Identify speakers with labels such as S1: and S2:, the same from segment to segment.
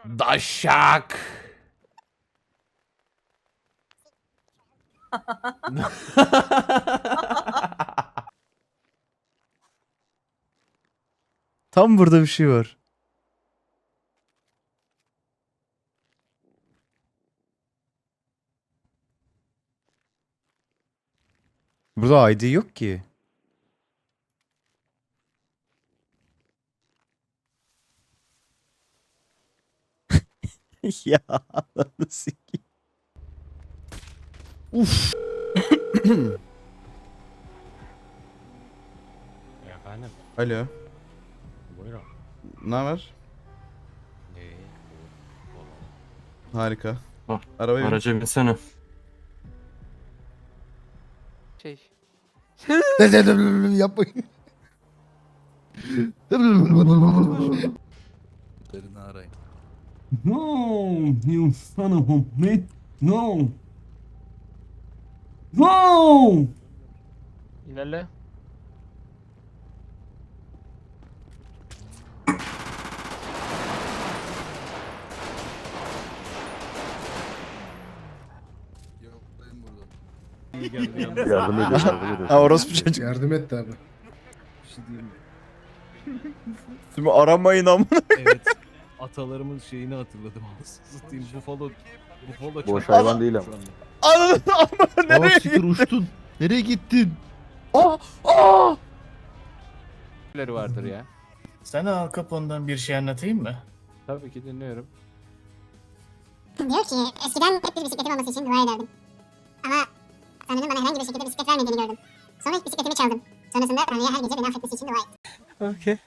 S1: Daşak. Tam burada bir şey var. Burada ID yok ki. Ya nasıl ki? Uf.
S2: Efendim,
S3: Alo.
S2: buyurun.
S3: Ne haber? Harika.
S4: Ah,
S3: Arabaya bin.
S4: Araca binsene.
S5: Şey.
S3: Yapmayın.
S6: No, you son of a bitch. No. No.
S5: İlerle.
S4: Yardım ediyorum.
S1: Ha orospu çocuk.
S7: Yardım et abi.
S1: Şimdi aramayın amına.
S2: Evet, atalarımın şeyini hatırladım. Satayım Buffalo çok...
S4: Boş hayvan değil ama.
S1: Ananı amına nereye?
S7: Siktir uçtun. Nereye gittin?
S5: Neleri vardır ya.
S8: Sana Al Capone'dan bir şey anlatayım mı?
S5: Tabii ki dinliyorum.
S9: Diyor ki eskiden hep bir bisikletim olması için dua ederdim. Ama Tanrı'nın bana herhangi bir şekilde bisiklet vermediğini gördüm. Sonra ilk bisikletimi çaldım. Sonrasında Tanrı'ya her gece beni affetmesi için dua ettim.
S1: Okey.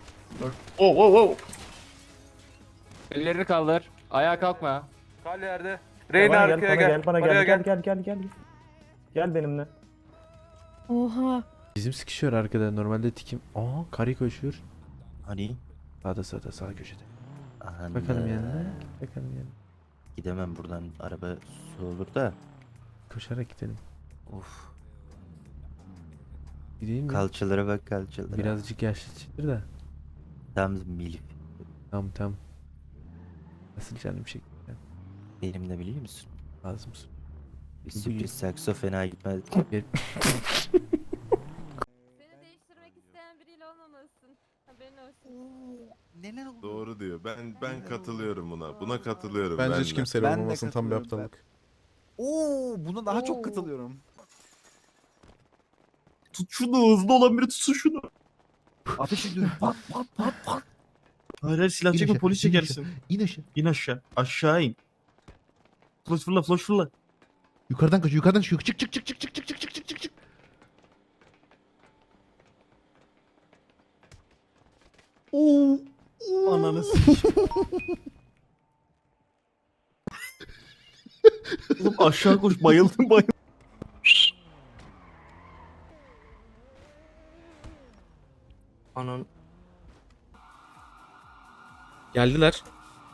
S5: Ellerini kaldır. Ayağa kalkma.
S2: Kal yerde.
S4: Reyna arkaya gel. Bana gel. Gel benimle.
S10: Oha.
S1: Bizim sıkışıyor arkada. Normalde tikim. Aa karı koşuyor.
S11: Hani?
S1: Sağda sağ köşede.
S11: Aha,
S1: Bakalım yanına. Bakalım yanına.
S11: Gidemem buradan, araba su olur da.
S1: Koşarak gidelim.
S11: Of.
S1: Gideyim mi?
S11: Kalçalara bak, kalçalara.
S1: Birazcık yaşlı çıktır da.
S11: Tam milif.
S1: Tamam. Nasıl canım çekti?
S11: Benim de biliyor musun?
S1: Lazım mısın?
S11: Bir sürpriz sakso fena gitmez.
S10: Seni değiştirmek isteyen biriyle olmamalısın. Haberin olsun.
S7: Doğru diyor. Ben katılıyorum buna. Buna katılıyorum.
S3: Bence
S7: ben
S3: hiç
S7: de.
S3: kimseyle olmamasın, tam bir aptallık.
S1: Oo, buna daha çok katılıyorum.
S8: Tut şunu, hızlı olan biri tutsun şunu.
S1: Ateş ediyorum. Pat.
S8: Hayır silah çekme, polis çekersin.
S7: İn aşağı.
S8: İn aşağı. Aşağı in. Flash fırla.
S7: Yukarıdan kaç. Çık.
S8: Oo. Ananı s***. Oğlum aşağı koş, bayıldım. Anan.
S4: Geldiler.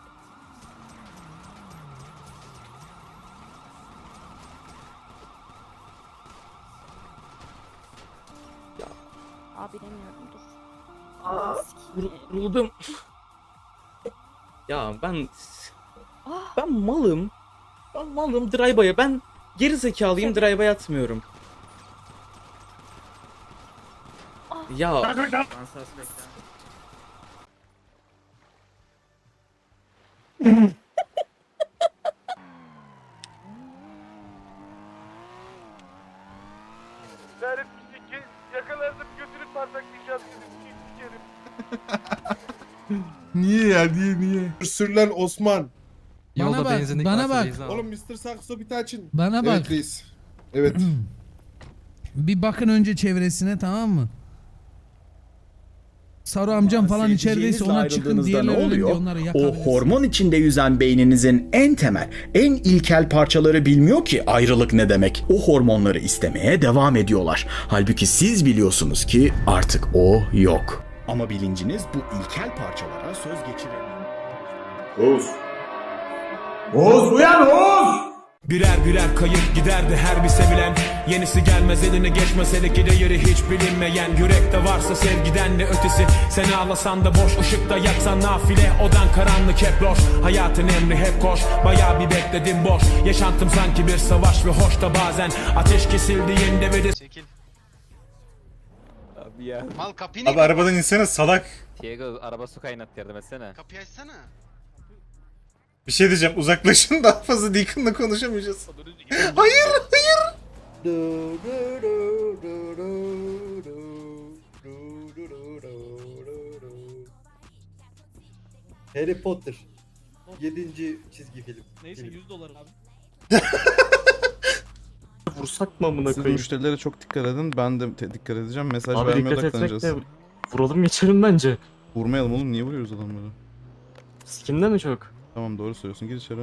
S10: Abi bilemiyorum dur.
S4: Vuruldum. Ya ben malım. Ben malım drive'a. Ben geri zekalıyım, drive'a atmıyorum. Ya
S2: Yakalardım götürüp parçaklayacağız. Sikerim.
S7: Niye? Sürlen Osman.
S2: Yolda benzinlik
S6: bana bak.
S7: Oğlum Mr. Sakso bir tane açın.
S6: Bana bak.
S7: Evet reis. Evet.
S6: Bir bakın önce çevresine, tamam mı? Saru amcam falan içerideyse ona çıkın, diğerleri önünde onları
S12: O
S6: yakabiliriz.
S12: hormon içinde yüzen beyninizin en temel, en ilkel parçaları bilmiyor ki ayrılık ne demek. O hormonları istemeye devam ediyorlar. Halbuki siz biliyorsunuz ki artık o yok. Ama bilinciniz bu ilkel parçalara söz geçiremiyor.
S7: Oğuz uyan Oğuz!
S12: Birer birer kayıp giderdi her bir sevilen. Yenisi gelmez eline geçmez hele ki değeri hiç bilinmeyen. Yürekte varsa sevgiden ne ötesi. Sen ağlasan da boş, ışıkta yaksan nafile. Odan karanlık hep loş, hayatın emri hep koş. Bayağı bir bekledim boş, yaşantım sanki bir savaş. Ve hoş da bazen ateş kesildiğinde ve de...
S2: Çekil.
S5: Abi ya.
S2: Mal kapıyı
S3: Abi arabadan insene salak.
S5: Diego araba su kaynat yardım etsene.
S2: Kapıyı açsana.
S3: Bir şey diyeceğim, uzaklaşın, daha fazla Deacon'la konuşamayacağız. Hayır, hayır.
S2: Harry Potter. 7. çizgi film.
S4: Neyse $100 abi. Vursak mı amına
S3: Siz
S4: koyayım?
S3: müşterilere çok dikkat edin, ben de dikkat edeceğim. Mesaj
S4: Abi
S3: vermeye
S4: dikkat etmek
S3: odaklanacağız.
S4: de vuralım geçelim bence.
S3: Vurmayalım oğlum, niye vuruyoruz adamları?
S4: Skinde mi çok?
S3: Tamam, doğru söylüyorsun, gir içeri.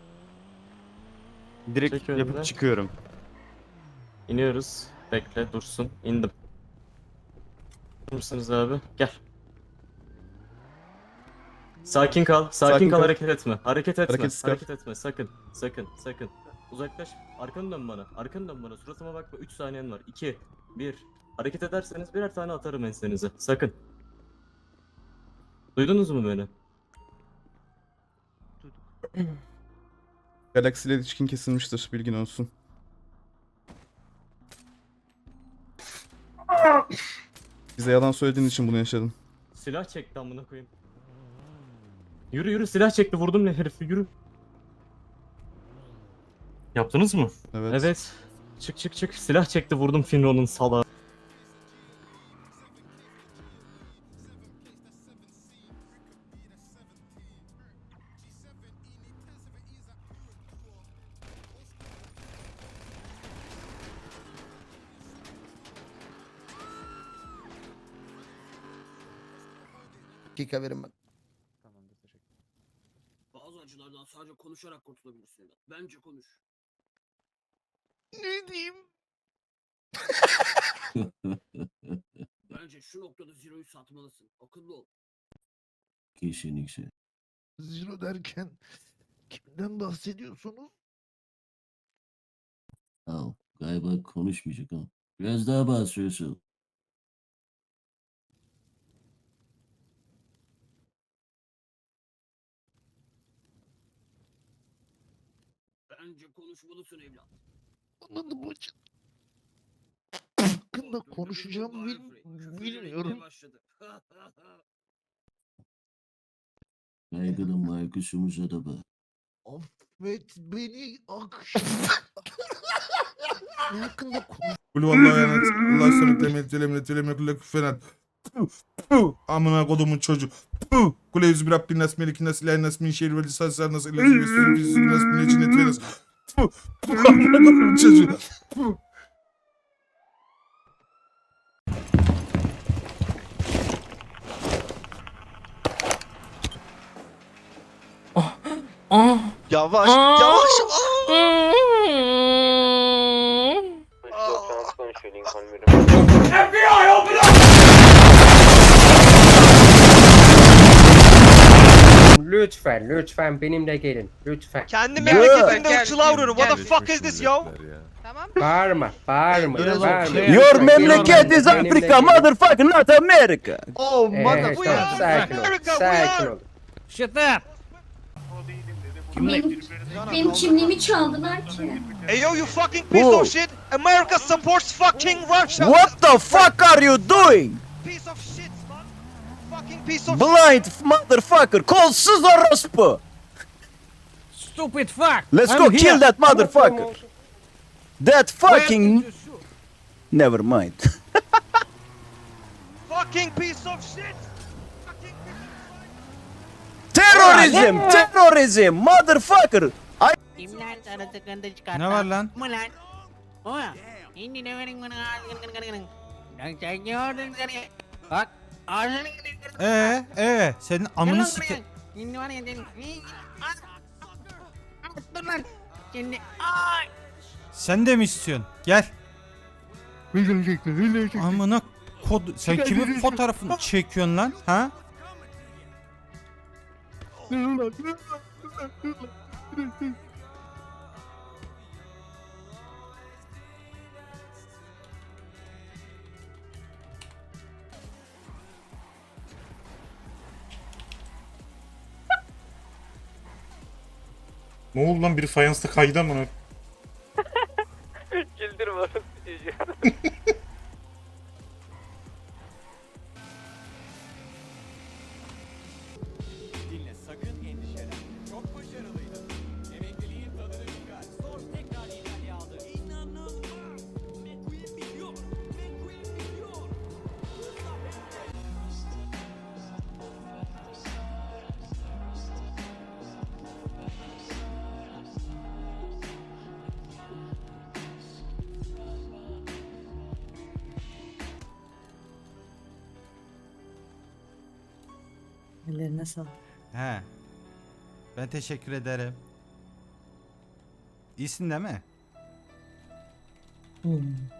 S8: Direkt
S4: Çek önüne.
S8: yapıp çıkıyorum.
S4: İniyoruz. Bekle dursun. İndim. Mısınız abi? Gel. Sakin kal. Sakin kal, hareket etme. Hareket etme.
S3: Hareketsiz kal.
S4: Hareket etme. Sakın. Sakın. Uzaklaş. Arkanı dön bana. Arkanı dön bana. Suratıma bakma. 3 saniyen var. 2 1. Hareket ederseniz birer tane atarım ensenize. Sakın. Duydunuz mu beni?
S3: Galaxy ile ilişkin kesilmiştir, bilgin olsun. Bize yalan söylediğin için bunu yaşadın.
S4: Silah çekti amına koyayım. Yürü silah çekti, vurdum ne herifi, yürü. Yaptınız mı?
S3: Evet.
S4: Evet. Çık. Silah çekti, vurdum Finro'nun salağı.
S2: Dakika verin bak.
S5: Tamamdır teşekkür.
S2: Bazı acılardan sadece konuşarak kurtulabilirsin. Bence konuş.
S8: Ne diyeyim?
S2: Bence şu noktada Zero'yu satmalısın. Akıllı ol.
S8: Kesinlikle. Zero derken kimden bahsediyorsunuz? Galiba konuşmayacak ha. Biraz daha bahsediyorsun.
S2: Bence konuşmalısın evlat.
S8: Anladım hocam. Hakkında konuşacağımı bilmiyorum. Kaygılı Markus'umuza da bak. Affet beni akşam. Hakkında konuş.
S7: Kul vallahi yani Allah sana temet telemle kulak fenat. Amına kodumun çocuğu. Kule yüzü bir Rabbin nas melikin nas ilahin nas min şerri ve lisasar nas ilahi ve sürü bizi nas min ecinet ve nas. Amına kodumun çocuğu.
S8: Yavaş.
S2: Lütfen benimle gelin. Lütfen.
S8: Kendi memleketinde ırkçılığa vuruyorum. What the fuck is this yo?
S10: Tamam.
S2: Bağırma.
S8: Your memleket is Africa, motherfucker, not America. Oh,
S2: Sakin ol.
S10: Shut up.
S9: Benim kimliğimi çaldılar ki.
S8: Hey yo, you fucking piece of shit. America supports fucking Russia. What the fuck are you doing? Piece of shit, man. Fucking piece of blind motherfucker. Kolsuz orospu.
S10: Stupid fuck.
S8: Let's go kill that motherfucker. That fucking... Never mind. Fucking piece of shit. Terrorism, motherfucker.
S2: Ne var lan?
S10: Bak.
S2: Senin amını sike...
S10: Dur lan. Şimdi.
S2: Sen de mi istiyorsun? Gel. Amına kod... Sen kimin fotoğrafını çekiyorsun lan? Ha?
S3: Ne oldu lan, biri fayansta kaydı ama.
S5: Güldürme onu.
S2: Dinle, sakın endişelenme. Çok başarılıydı. Emekliliğin tadını çıkar. Sor tekrar İtalya aldı. İnanılmaz. McQueen biliyor. McQueen biliyor.
S10: Ellerine sağlık.
S2: He. Ben teşekkür ederim. İyisin değil mi?